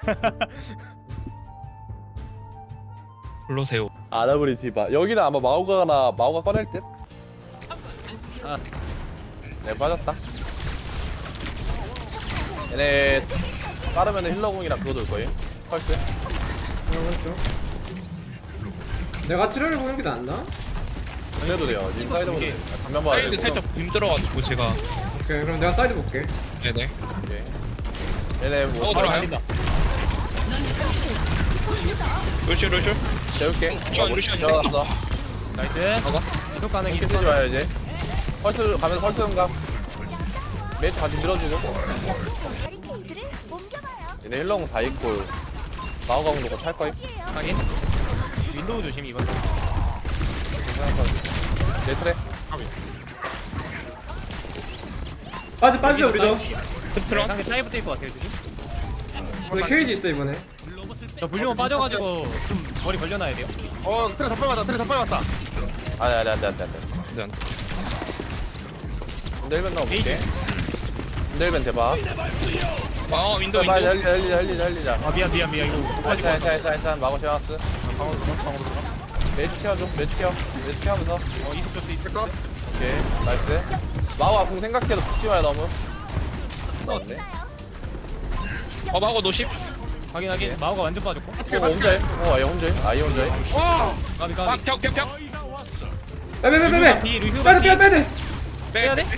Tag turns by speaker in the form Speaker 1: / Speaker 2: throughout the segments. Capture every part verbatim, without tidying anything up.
Speaker 1: 불러세요.
Speaker 2: 아나브리 디바. 여기는 아마 마오가나 마오가 꺼낼 듯.
Speaker 1: 아.
Speaker 2: 네 빠졌다. 얘네 빠르면 힐러공이랑 그거 돌 거예요. 펄스.
Speaker 3: 그렇죠. 내가 트레를 보는 게 낫나?
Speaker 2: 그래도 돼요. 인사이드 보는 감면 봐야
Speaker 1: 사이드
Speaker 2: 되고.
Speaker 1: 살짝 힘들어가지고 제가.
Speaker 3: 오케이 그럼 내가 사이드 볼게.
Speaker 1: 네네.
Speaker 2: 오케이. 얘네 뭐
Speaker 1: 하고 들어가요. 루슈 루슈.
Speaker 2: 재울게.
Speaker 1: 루시안, 루시안
Speaker 2: 들어갔어.
Speaker 4: 나이스.
Speaker 1: 먹어.
Speaker 4: 계속 가는
Speaker 2: 이렇게
Speaker 4: 길.
Speaker 2: 쓰지 마요 이제. 펄스 가면서 펄스 응감. 매트 같이 밀어주죠.
Speaker 5: 바리케이드를 옮겨봐요.
Speaker 2: 얘네 힐러공 다 있고 마오가 공도 찰 거임.
Speaker 4: 확인. 윈도우 조심 이번.
Speaker 2: 내 트랙.
Speaker 3: 빠지 빠지자 우리도.
Speaker 1: 트런.
Speaker 4: 상대 사이브 뛸것 같아요 지금.
Speaker 3: 근데 케이지 있어 이번에.
Speaker 4: 저 불리면 빠져가지고 좀 머리 걸려놔야 돼요.
Speaker 6: 어 트레 다 빨았다 트레 다 빨았다.
Speaker 2: 아니 아니 안돼 안돼 안돼.
Speaker 1: 네.
Speaker 2: 흔들면 넣어볼게. 흔들면 대박.
Speaker 1: 아 윈도우
Speaker 2: 빨리
Speaker 1: 윈도우.
Speaker 2: 할리자 할리자 할리자 할리자.
Speaker 4: 아 미안 미안 미안 이거 못 빠질 것
Speaker 2: 괜찮아
Speaker 4: 같아.
Speaker 2: 괜찮아 괜찮아 마고 샤워스.
Speaker 6: 방으로 들어 방으로 들어.
Speaker 2: 매주 케어줘 매주 케어 매주 케어하면서.
Speaker 4: 어 이속 줄수 있을 것.
Speaker 2: 오케이 나이스. 마고 아픈 생각해도 붙지 마요 너무. 나왔네.
Speaker 1: 어 마고 노십.
Speaker 4: 확인 확인. 마오가 완전 빠졌고.
Speaker 2: 어 혼자해? 어 아예 혼자해? 아예 혼자해?
Speaker 6: 와.
Speaker 4: 까비
Speaker 1: 아
Speaker 4: 까비.
Speaker 1: 벽벽벽.
Speaker 3: 빼빼빼빼빼.
Speaker 4: 비 루슈
Speaker 3: 빼야 돼
Speaker 4: 비.
Speaker 3: 빼야 돼.
Speaker 1: 빼야 돼?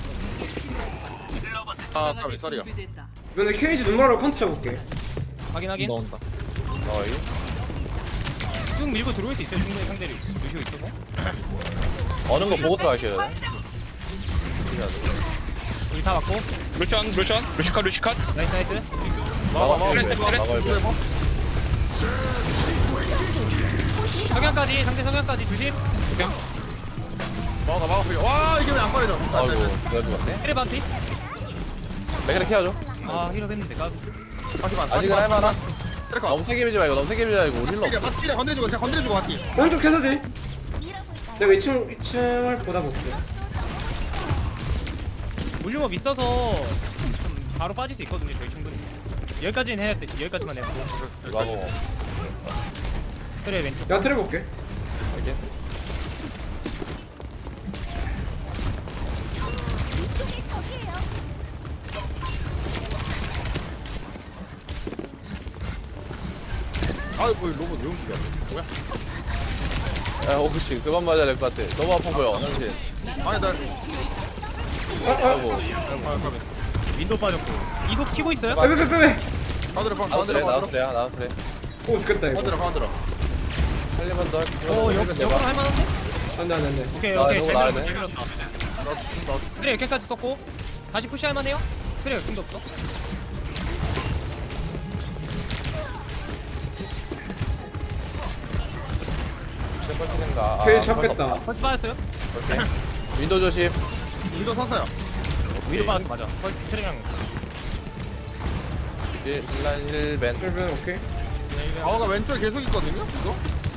Speaker 6: 아 까비 쏘리야.
Speaker 3: 이번에 케이지 눈마로 컨트 쳐볼게.
Speaker 4: 확인 확인.
Speaker 1: 나온다.
Speaker 2: 어이.
Speaker 4: 쭉 밀고 들어올 수 있어요 충분히 상대를. 루슈 있어서.
Speaker 2: 어느 거 보고 들어가셔야 돼.
Speaker 4: 우리 다 맞고.
Speaker 1: 루시안 루시안 루시카 루시카.
Speaker 4: 나이스 나이스.
Speaker 6: 막아 막아.
Speaker 1: 트레, 트레,
Speaker 2: 막아야 돼.
Speaker 4: 성향까지 상대 성향까지 조심.
Speaker 6: 막아 막아. 와 이게 왜 안 꺼내져?
Speaker 2: 아이고 내가 죽었네.
Speaker 4: 트레 반피.
Speaker 2: 맥그를 케어줘.
Speaker 4: 아 힐업 했는데 까비.
Speaker 6: 하지만
Speaker 2: 아직은 할만한.
Speaker 6: 트레 컷.
Speaker 2: 너무 세게 밀지 말고 너무 세게 밀지 말고 우리 힐러
Speaker 6: 이게
Speaker 2: 없어.
Speaker 6: 바티를 건드려주고 그냥 건드려주고 바티.
Speaker 3: 오른쪽 해서지.
Speaker 5: 밀어볼까요?
Speaker 3: 내가 이 층 이 층을 보다 볼게.
Speaker 4: 물류업 있어서 좀 바로 빠질 수 있거든요 저희 충분히. 여기까지는 해야 돼. 여기까지만 해야 돼.
Speaker 2: 마고.
Speaker 4: 트레 왼쪽.
Speaker 3: 내가 트레 볼게.
Speaker 2: 이렇게.
Speaker 5: 이쪽이 적이에요.
Speaker 6: 아이 뭐 로봇 왜 움직여? 뭐야?
Speaker 2: 야 혹시 그만 맞아야 될 것 같아. 너무 아파 보여. 당신.
Speaker 6: 아니 나.
Speaker 3: 아 아.
Speaker 2: 아이고.
Speaker 6: 아 까비.
Speaker 4: 윈도우 빠졌고. 이속 키고 있어요?
Speaker 3: 빼빼빼빼.
Speaker 6: 가드려 가
Speaker 2: 나도 그래
Speaker 6: 가드려
Speaker 2: 나도
Speaker 6: 가드려.
Speaker 2: 그래 나도 그래.
Speaker 3: 오 죽겠다 이거.
Speaker 6: 가드려 가드려.
Speaker 2: 살리면 더.
Speaker 4: 어, 역, 역으로 할만한데?
Speaker 3: 안돼 안돼 안돼.
Speaker 4: 오케이,
Speaker 2: 나
Speaker 4: 오케이.
Speaker 2: 이거
Speaker 4: 잘
Speaker 2: 나야
Speaker 4: 밀었다,
Speaker 2: 돼.
Speaker 4: 잘 밀었다.
Speaker 6: 나도 나도.
Speaker 4: 트레 여기까지 썼고, 다시 푸시 할만해요? 트레 여기도 없어?
Speaker 2: 첫 생각.
Speaker 3: 케이지 잡겠다.
Speaker 4: 벌써 빠졌어요?
Speaker 2: 오케이. 윈도 조심.
Speaker 6: 위도 섰어요.
Speaker 4: 위로 빠졌어, 맞아. 벌써 트레랑.
Speaker 2: 딜란 힐벤.
Speaker 3: 트레 오케이.
Speaker 6: 아우가 왼쪽에 계속 있거든요. 이거.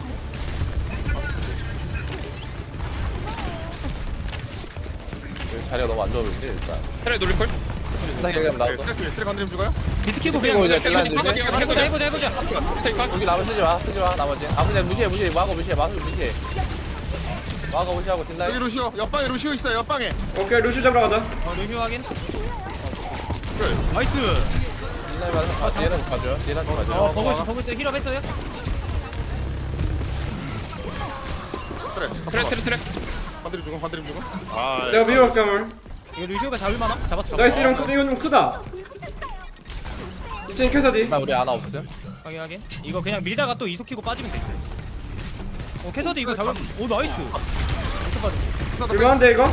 Speaker 2: 자리가 너무 안 좋아 보이지 일단.
Speaker 1: 트레 노리콜.
Speaker 2: 스타일 그냥 나왔어.
Speaker 6: 트레 트레 건드림 죽어요?
Speaker 4: 비트 키고
Speaker 2: 비트 키고
Speaker 4: 그냥.
Speaker 2: 이제 딜라인
Speaker 4: 해보자,
Speaker 2: 주네.
Speaker 4: 해보자, 해보자, 해보자.
Speaker 1: 테이크.
Speaker 2: 여기 나무 쓰지 마, 쓰지 마, 나머지. 아, 무시해, 무시해, 무시해, 마고 무시해, 마고 무시해. 마고 무시하고
Speaker 6: 여기
Speaker 2: 딜라인.
Speaker 6: 루시오. 옆방에 루시오 있어요. 옆방에.
Speaker 3: 오케이 루시 잡으러 가자.
Speaker 4: 어, 리뷰 확인.
Speaker 6: 그.
Speaker 4: 나이스.
Speaker 2: 딜라인 맞아. 아, 뒤에는 좀 가죠. 뒤에는 좀
Speaker 4: 어,
Speaker 2: 가죠.
Speaker 4: 보고 있어, 보고 있어. 힐업 했어요?
Speaker 6: 트레.
Speaker 1: 트레 트레 트레.
Speaker 6: 건드림 죽음 건드림 죽음. 아.
Speaker 3: 내가 밀어볼게 물.
Speaker 4: 이거 루시오가 잡을만하? 잡았어, 잡았어.
Speaker 3: 나이스 이런 크 이건 좀 크다. 이층 캐서디.
Speaker 2: 나 우리 아나 없음.
Speaker 4: 확인, 확인. 이거 그냥 밀다가 또 이속 키고 빠지면 돼. 어, 캐서도 이거 잡을. 오, 나이스. 이렇게 빠져.
Speaker 3: 이거한데 이거?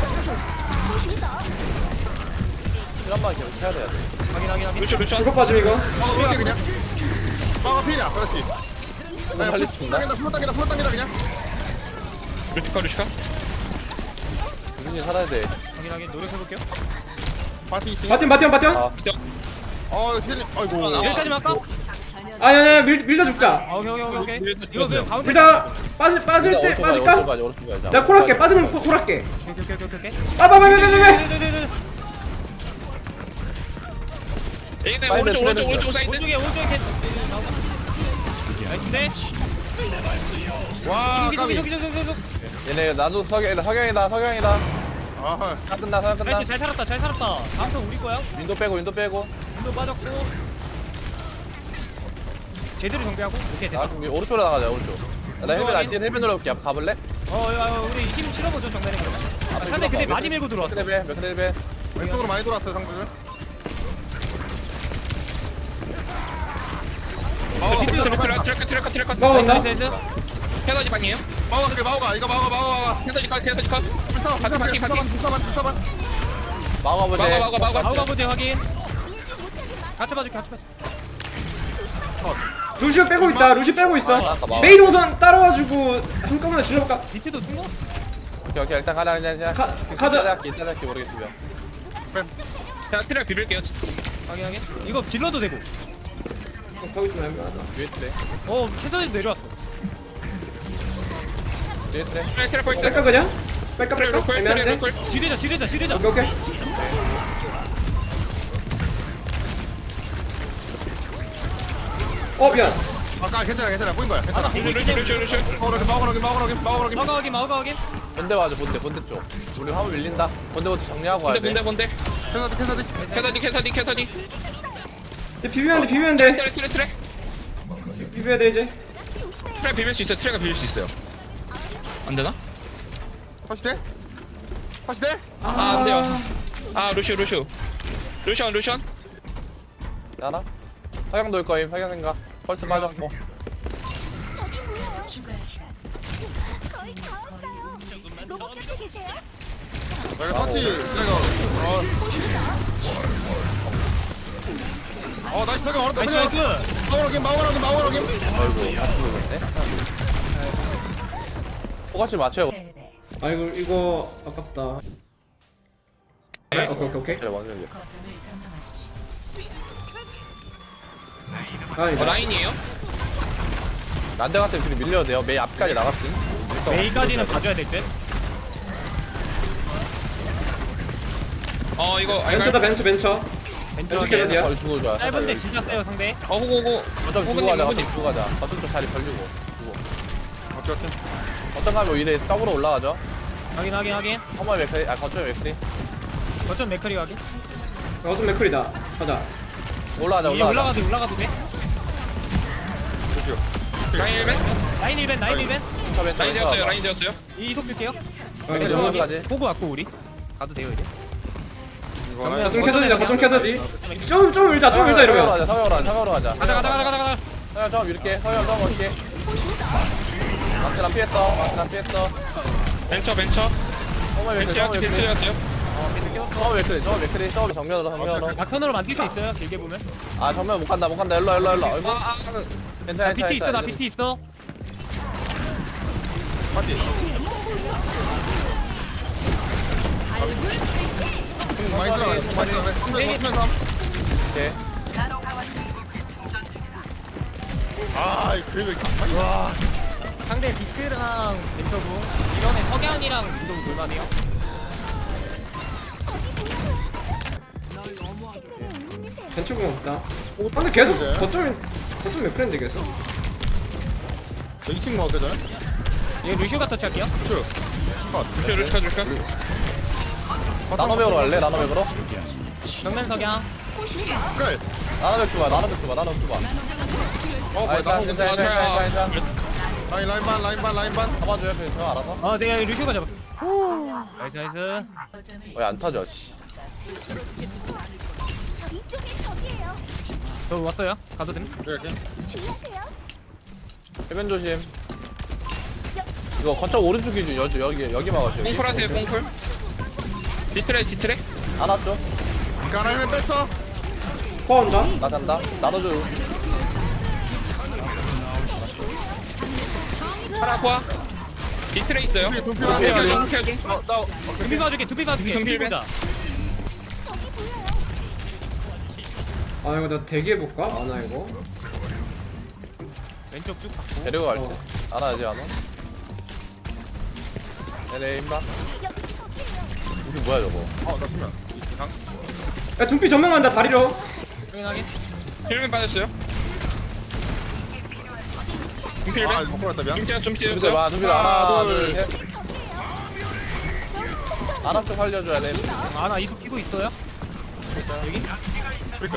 Speaker 2: 힐한번 계속 해야 돼야 돼.
Speaker 4: 확인, 확인, 확인.
Speaker 1: 루시 루시안.
Speaker 3: 이거 빠짐 이거.
Speaker 6: 막아 볼게 그냥. 막아 피냐. 그렇지.
Speaker 2: 너무 빨리 죽나?
Speaker 6: 당긴다 풀어 당긴다 풀어 당긴다 그냥.
Speaker 1: 루시카 루시카.
Speaker 2: 유진이 살아야 돼.
Speaker 4: 확인, 확인. 노력해볼게요.
Speaker 6: 바티 있지.
Speaker 3: 바팀 바팀 바팀.
Speaker 2: 아,
Speaker 6: 어 디젤님. 아이고.
Speaker 4: 여기까지만 할까?
Speaker 3: 아니 아니 밀 밀다 죽자.
Speaker 4: 아, 오케이, 오케이, 오케이, 오케이. 이거 그냥 가운데.
Speaker 3: 밀다 빠지 빠질 때
Speaker 2: 오른쪽 가자,
Speaker 3: 빠질까?
Speaker 2: 오른쪽 가자, 오른쪽 가자.
Speaker 3: 내가 콜할게. 빠지면 콜- 콜할게.
Speaker 4: 오케이, 오케이, 오케이, 오케이.
Speaker 3: 빠빠빠빠빠빠.
Speaker 4: 네네네네.
Speaker 1: 에이네
Speaker 2: 사이드
Speaker 1: 오른쪽 오른쪽
Speaker 2: 트레는
Speaker 1: 오른쪽 사이드.
Speaker 4: 오른쪽에 오른쪽에 캐 나이스인데
Speaker 6: 와
Speaker 4: 여기 저기
Speaker 6: 까비
Speaker 4: 저기 저기 저기
Speaker 2: 얘네 나도 석양 석양이다 석양이다.
Speaker 6: 아
Speaker 2: 다 끝나 석양 끝나.
Speaker 4: 나이스 잘 살았다 잘 살았다 다음 턴 우리 거야
Speaker 2: 윈도 빼고 윈도 빼고.
Speaker 4: 윈도 빠졌고 제대로 정비하고 오케이
Speaker 2: 아
Speaker 4: 됐다
Speaker 2: 그럼 오른쪽으로 나가자 오른쪽. 야, 나 헬멧 안 뛰는 헬멧 눌러볼게. 가볼래?
Speaker 4: 어 야, 우리 팀 실어보죠 정면에 그러면 아, 상대 근데 많이 밀고 들어왔어
Speaker 2: 몇 레벨 몇 레벨.
Speaker 6: 왼쪽으로 많이 돌았어요 상대들 마오가
Speaker 1: 트랙
Speaker 6: 컴퓨터
Speaker 1: 트랙 트랙 트랙 트랙 트랙.
Speaker 3: 막아온다.
Speaker 4: 나이스 나이스
Speaker 1: 캐서지 방이에요.
Speaker 6: 마오가 그래 마오가 이거 마오가 마오가
Speaker 1: 캐서지 컷 캐서지 컷.
Speaker 6: 불사 불사
Speaker 1: 바퀴, 바퀴,
Speaker 6: 불사반 불사반 불사반
Speaker 2: 막아보자.
Speaker 1: 막아 막아 막아.
Speaker 4: 아우가 보제 확인 같이 봐줄게 같이 봐줄게
Speaker 3: 루시오 빼고 있다. 루시 빼고 있어.
Speaker 2: 아, 아까 막아.
Speaker 3: 메인 우선 따라와주고 한꺼번에 질러볼까?
Speaker 4: 밑에도 쓴 거?
Speaker 2: 오케이 오케이 일단 가자 그냥 그냥.
Speaker 3: 가- 가자.
Speaker 2: 이따 할게 이따 할게 모르겠으면.
Speaker 1: 자 트랙 비빌게요.
Speaker 4: 확인 확인 이거 질러도 되고
Speaker 3: 거기 좀 애매하다.
Speaker 2: 위에 트레.
Speaker 4: 어 캐서디도 내려왔어
Speaker 2: 위에 트레.
Speaker 1: 트랙 트랙 포인트.
Speaker 3: 뺄까 그냥? 뺄까
Speaker 1: 트랙
Speaker 3: 뺄까?
Speaker 1: 로컬 트랙
Speaker 3: 애매한데?
Speaker 1: 로컬.
Speaker 4: 지르자 지르자 지르자
Speaker 3: 오케이 오케이. 어 미안.
Speaker 6: 아까 괜찮아 괜찮아 보인 거야 괜찮아
Speaker 1: 루시 루시 루시 루시.
Speaker 6: 마오가 여기 마오가 여기 마오가 여기 마오가 여기
Speaker 4: 마우가 확인 마우가 확인
Speaker 2: 본대 와줘 본대 본대 쪽. 우리 화물 밀린다. 본대부터 정리하고 가야
Speaker 1: 뭔데
Speaker 2: 돼.
Speaker 1: 뭔데 뭔데.
Speaker 6: 캐서디 캐서디
Speaker 1: 캐서지 캐서지 캐서지.
Speaker 3: 이제 비비면 돼 비비면 돼.
Speaker 1: 트랙 트랙 트랙.
Speaker 3: 비벼야 돼 이제.
Speaker 1: 트랙 비빌 수 있어. 트랙가 비빌 수 있어요. 안 되나?
Speaker 6: 다시 돼? 다시 돼?
Speaker 1: 아, 안 돼요. 아, 루시오, 루시오. 루시온, 루시온.
Speaker 2: 알아? 석양 돌 거임 석양 생각. 펄스 빠졌고.
Speaker 5: 저기 보여요. 거의 다 왔어요. 로봇 같아 계세요?
Speaker 6: 내가 터치 내가 어 어, 나이스 석양 얼었다
Speaker 4: 나이스
Speaker 6: 석양
Speaker 4: 나이스
Speaker 6: 마오가 여기 마오가 여기 마오가 여기
Speaker 2: 아이고 아프겠네. 똑같이 맞춰요.
Speaker 3: 아이고 이거 아깝다. 네? 오케이 오케이 오케이.
Speaker 2: 그래 완전.
Speaker 3: 아
Speaker 1: 어,
Speaker 3: 이거
Speaker 1: 라인이에요?
Speaker 2: 난데 같은 둘이 밀려도 돼요. 메이 앞까지 나갔음.
Speaker 4: 메이까지는 봐줘야 될듯
Speaker 1: 어, 이거, 아,
Speaker 3: 벤처다
Speaker 1: 이거.
Speaker 3: 벤처 벤처.
Speaker 4: 벤처
Speaker 3: 벤처
Speaker 4: 확인
Speaker 3: 캐서디야.
Speaker 2: 거의 죽어 좋아.
Speaker 4: 짧은데 진짜 세요 상대
Speaker 1: 어, 호구, 호구.
Speaker 2: 어쩜 주고
Speaker 1: 호구님,
Speaker 2: 가자.
Speaker 1: 호구님.
Speaker 2: 어쩜 주고 가자. 어쩜 좀 자리 벌리고. 주고.
Speaker 6: 오케이 오케이
Speaker 2: 어떤 가면 이래 더블로 올라가죠.
Speaker 4: 확인 확인 확인
Speaker 2: 허물 맥크리 아 거점 맥크리.
Speaker 4: 거점 맥커리 확인
Speaker 3: 어좀 맥클이다. 가자.
Speaker 2: 올라가자
Speaker 4: 위에
Speaker 2: 올라가자.
Speaker 4: 올라가도 돼, 올라가도 돼
Speaker 1: 라인 일 벤?
Speaker 4: 라인 일 벤 라인 일 벤
Speaker 2: 차 왼쪽
Speaker 1: 라인
Speaker 2: 왼쪽
Speaker 1: 지었어요,
Speaker 2: 와봐.
Speaker 1: 라인 지었어요.
Speaker 4: 이속 줄게요
Speaker 3: 어,
Speaker 2: 이제
Speaker 3: 이제
Speaker 2: 오른쪽까지.
Speaker 4: 보고 왔고 우리 가도 돼요 이제
Speaker 6: 이거
Speaker 4: 정면.
Speaker 6: 하나
Speaker 3: 거점 캐서디다. 거점 캐서디. 좀좀 밀자 좀 밀자
Speaker 2: 서양으로
Speaker 3: 이러면.
Speaker 2: 가자. 서양으로 가자. 서양으로 가자.
Speaker 4: 가자 가자 가자 가자 가자
Speaker 2: 서양 좀 이렇게. 서양 좀 이렇게. 마트 안 피했어. 마트 안 피했어.
Speaker 1: 벤처, 벤처.
Speaker 2: 허물 맥크리.
Speaker 1: 벤처,
Speaker 2: 허물 맥크리.
Speaker 1: 벤처였어요.
Speaker 2: 서울 맥크리. 서울 맥크리. 서울 정면으로 정면으로.
Speaker 4: 막편으로 만들 수 있어요 길게 보면
Speaker 2: 아 정면 못 간다 못 간다. 일로 와, 일로 와, 일로. 와. 아이고.
Speaker 1: 아, 아,
Speaker 2: 괜찮아
Speaker 4: 나
Speaker 2: 괜찮아.
Speaker 4: 비트 있어 나
Speaker 2: 괜찮아.
Speaker 4: 비트 있어
Speaker 6: 파티 많이 들어가네 많이 들어가네 성면 성면 삼
Speaker 2: 오케이.
Speaker 6: 아 이거 그래도
Speaker 4: 상대 비트랑 벤처부 이번에 석양이랑 민도부 놀만해요
Speaker 3: 벤처공 없다. 어, 근데 계속 거점 거점 맥클인데 계속.
Speaker 6: 이 친구 어때 저?
Speaker 4: 얘 루시오가 터치할게요
Speaker 6: 쭉 컷.
Speaker 1: 루시오, 루시오, 루시오.
Speaker 2: 나노백으로 갈래? 나노백으로?
Speaker 4: 정면 석양
Speaker 6: 그래
Speaker 2: 나노백 줘봐. 나노백 줘봐. 나노백 줘봐.
Speaker 6: 어
Speaker 2: 아
Speaker 6: 뭐야
Speaker 2: 일단
Speaker 6: 나무
Speaker 2: 괜찮아 괜찮아 괜찮아 괜찮아.
Speaker 6: 라인 라인 반 라인 반 라인 반
Speaker 2: 잡아줘요 그냥 알아서.
Speaker 4: 어 내가 루시오가 잡아 나이스 나이스
Speaker 2: 왜 안 타죠? 씨.
Speaker 5: 이쪽이 적이에요.
Speaker 4: 저 왔어요 가도 됨
Speaker 6: 이렇게
Speaker 5: 주의하세요.
Speaker 2: 해변 조심. 이거 거점 오른쪽 기준 여기 여기 여기 막아줘.
Speaker 1: 뽕풀 하세요, 뽕풀. 디트랙, 디트랙.
Speaker 2: 안 왔죠?
Speaker 6: 가라이면 뺐어
Speaker 3: 거 온다.
Speaker 2: 나 잔다. 나눠줘.
Speaker 1: 파라코아. 디트랙 있어요.
Speaker 6: 두피 두피
Speaker 2: 두피
Speaker 6: 하나
Speaker 2: 하나.
Speaker 1: 중, 케어 중.
Speaker 6: 어나
Speaker 4: 두비 봐줄게 두비 봐줄게
Speaker 1: 정필
Speaker 4: 두비 보자
Speaker 5: 저기 보여요.
Speaker 3: 아 이거 나 대기해 볼까? 아나 이거.
Speaker 4: 왼쪽 쭉 받고
Speaker 2: 데리고 갈 때.
Speaker 3: 어.
Speaker 2: 안 와야지 안 와. 네네 임마.
Speaker 5: 여기 적이에요.
Speaker 2: 우리 뭐야 저거?
Speaker 6: 어나 수면
Speaker 3: 야 둠피 전면 간다 다리로.
Speaker 4: 확인하게.
Speaker 1: 힐맨 빠졌어요.
Speaker 6: 아
Speaker 1: 힐맨.
Speaker 6: 못 걸었다 미안
Speaker 1: 김태현 좀
Speaker 2: 누구들
Speaker 1: 피해줬어요.
Speaker 2: 봐 누구들
Speaker 6: 하나,
Speaker 2: 하나
Speaker 6: 둘,
Speaker 2: 둘셋 하나 좀 살려줘야 돼
Speaker 4: 아나 이속 끼고 있어요? 여기?
Speaker 6: 그러니까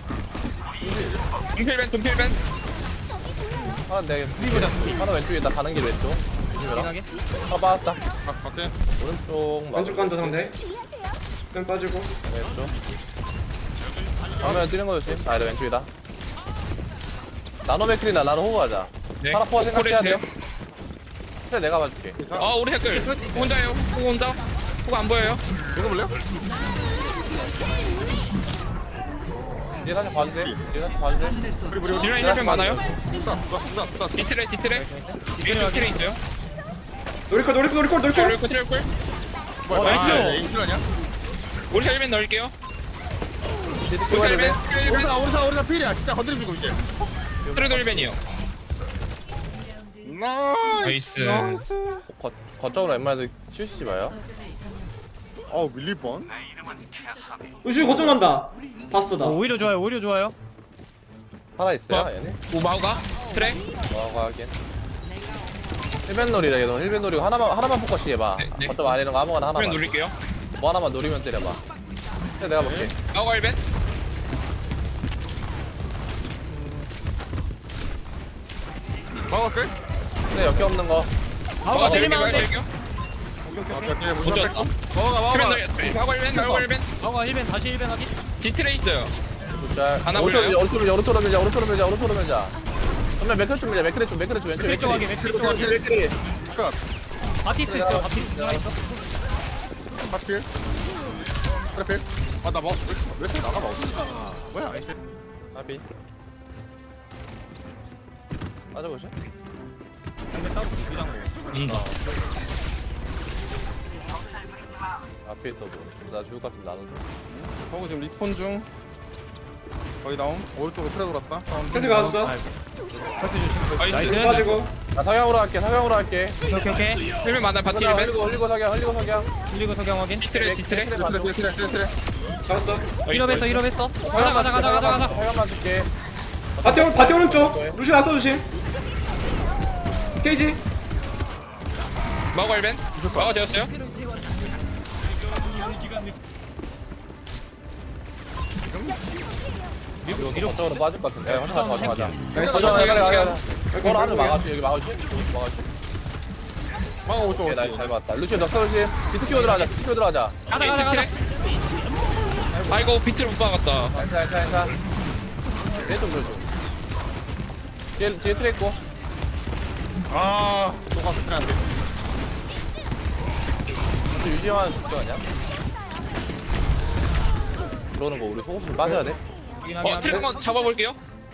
Speaker 1: 힐맨 좀 힐맨.
Speaker 2: 하나 내 하나 왼쪽에 있다 가는 길 왼쪽 조심해라
Speaker 4: 확인하게.
Speaker 2: 아 빠졌다
Speaker 6: 아 오케이
Speaker 2: 오른쪽 막
Speaker 3: 왼쪽 간다 상대.
Speaker 5: 주의하세요.
Speaker 3: 끈 빠지고.
Speaker 2: 왼쪽 정면 뛰는 거 조심 아 왼쪽이다 나노 맥클이나 나노 호구 하자
Speaker 1: 네.
Speaker 2: 하나 포화 생각해야 돼
Speaker 1: 코레트요.
Speaker 2: 그래 내가 봐줄게
Speaker 1: 아 우리 댓글 혼자요. 호구 혼자. 호구 안 보여요.
Speaker 6: 읽어볼래요?
Speaker 2: 뒤에 살짝 봐주세 뒤에 살짝 봐주세
Speaker 6: 우리 우리 우리
Speaker 1: 딜라인 힐맨 많아요.
Speaker 6: 부사 부사 부사 부사
Speaker 1: 디트레 디트레. 위에 디트레 있어요.
Speaker 3: 노리콜 노리콜 노리콜 노리콜.
Speaker 1: 트레이크 트레이크.
Speaker 6: 뭐야
Speaker 1: 나이스.
Speaker 6: 아 인줄 아니야?
Speaker 1: 우리 힐맨 넣을게요.
Speaker 2: 뒤에
Speaker 1: 우리
Speaker 2: 찍어야 돼
Speaker 1: 힐맨. 힐맨.
Speaker 6: 오리사 오리사 오리사 필이야 진짜 건드리고 이거 이제
Speaker 1: 트레이드 힐맨이요.
Speaker 6: 나이스
Speaker 1: 나이스.
Speaker 2: 거, 거점으로 웬만해도 쉬우시지 마요
Speaker 6: 어우 밀리번
Speaker 3: 루시 거점 간다. 봤어 나.
Speaker 4: 어, 오히려 좋아요. 오히려 좋아요.
Speaker 2: 하나 있어요
Speaker 1: 뭐?
Speaker 2: 얘네
Speaker 1: 우마우가 트레.
Speaker 2: 뭐하고 하긴 힐벤 놀이다 얘도 힐벤 노리고 하나만 하나만 포커싱 해봐
Speaker 1: 네, 네.
Speaker 2: 거점 안에 있는 거 아무거나
Speaker 1: 힐맨
Speaker 2: 하나만
Speaker 1: 누릴게요.
Speaker 2: 뭐 하나만 노리면 때려봐 그래 내가 볼게
Speaker 1: 마우가 힐맨.
Speaker 6: 막을게
Speaker 2: 그래 역기 없는 거
Speaker 4: 아우가
Speaker 1: 마우가
Speaker 4: 때리면 안 돼.
Speaker 1: 드릴게요.
Speaker 6: 오케이 오케이 무사
Speaker 1: 먼저
Speaker 6: 뺐고 먹어가
Speaker 1: 힐맨
Speaker 6: 먹어가
Speaker 1: 넣. 마우가 힐맨. 마우가 힐맨.
Speaker 4: 아우가 힐벤 다시 힐벤 하기.
Speaker 1: 디트레 있어요.
Speaker 2: 자
Speaker 1: 하나
Speaker 2: 오른쪽으로
Speaker 1: 올려요?
Speaker 2: 밀자 오른쪽으로 밀자 오른쪽으로 밀자 오른쪽으로 밀자 오른쪽으로 밀자 정면 맥크리 쪽 밀자 맥크리 쪽 맥크리 쪽 왼쪽
Speaker 4: 맥크리 쪽 하기.
Speaker 2: 맥크리
Speaker 4: 맥크리 쪽 하기.
Speaker 2: 맥크리
Speaker 6: 끝
Speaker 4: 바티스트 있어. 바티스트 들어가 있어.
Speaker 6: 하필 트래필 아나 먹, 왜, 왜 이렇게 나가 먹어 뭐야
Speaker 2: 하비 맞아보시
Speaker 4: 힐벤 따로 준비한 거.
Speaker 1: 음.
Speaker 2: 앞에 있어도 나 죽을 것 같으면 나눠줘
Speaker 6: 허구 지금 리스폰 중 거의 다운 오른쪽으로 트레 돌았다 다운
Speaker 3: 캔디 갔어.
Speaker 1: 나이스.
Speaker 3: 끈 빠지고.
Speaker 2: 나 성향으로 할게 성향으로 할게
Speaker 4: 오케이 오케이.
Speaker 1: 힐맨 많아. 바티
Speaker 2: 흘리고
Speaker 1: 힐맨.
Speaker 2: 흘리고 흘리고 석양 흘리고 석양
Speaker 4: 흘리고 석양 확인.
Speaker 1: 디트레 디트레.
Speaker 6: 트레 트레 트레 트레 트레
Speaker 3: 잡았어.
Speaker 4: 힐업했어 힐업했어. 가자 가자 가자 가자 가자.
Speaker 2: 석양만 줄게
Speaker 3: 바티 오른 바티 오른쪽. 루시 나서 조심. 케이지.
Speaker 1: 마우가 힐맨. 마우가 되었어요.
Speaker 2: 이거 이쪽으로 빠질 것 같은데 혼자 가자 가자
Speaker 3: 나이스.
Speaker 2: 가자 가자 가자 가자 거로 하늘 막아줘 여기 막아줘 막아줘
Speaker 6: 막아 오른쪽
Speaker 2: 오케이 나이스 잘 봤다 루시오 너 썰지 비트 키워 들어가자 비트 키워 들어가자
Speaker 4: 가자 가자 가자.
Speaker 1: 아이고 비트를 못 박았다.
Speaker 2: 괜찮아 괜찮아 괜찮아 얘좀 줘줘 뒤에 뒤에 트랙 있고
Speaker 6: 아 똑같은 트레 안돼
Speaker 2: 또 유지하는 숙제 아니야? 들어오는 거 우리 소금 좀 빠져야 돼
Speaker 4: 확인하게
Speaker 1: 어 트레
Speaker 4: 하게.
Speaker 1: 한번 잡아볼게요.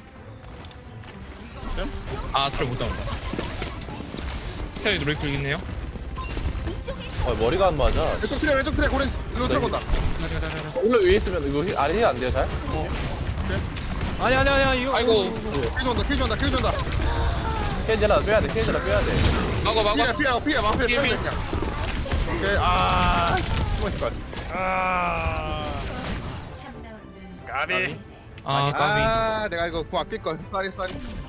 Speaker 1: 아 트레 못 잡았다. 트레 누를 거 있네요.
Speaker 2: 어 머리가 안 맞아
Speaker 6: 왼쪽 트레 왼쪽 트레 고렌 일로 들어본다
Speaker 2: 올라 위에 있으면 이거 힐- 아래 힐안 돼요 잘?
Speaker 4: 아니 아니 아니 이거.
Speaker 1: 아이고
Speaker 6: 킬 준다 킬 준다 킬 준다
Speaker 2: 케이지라 빼야 돼 케이지라 빼야 돼
Speaker 1: 마우가 마우가.
Speaker 6: 피해 피해 피해 막 피해
Speaker 1: 피해,
Speaker 6: 피해 그냥 오케이 아 숨어있을 걸
Speaker 1: 아 까비.
Speaker 6: 아 내가 이거 구 아낄걸 쏘리 쏘리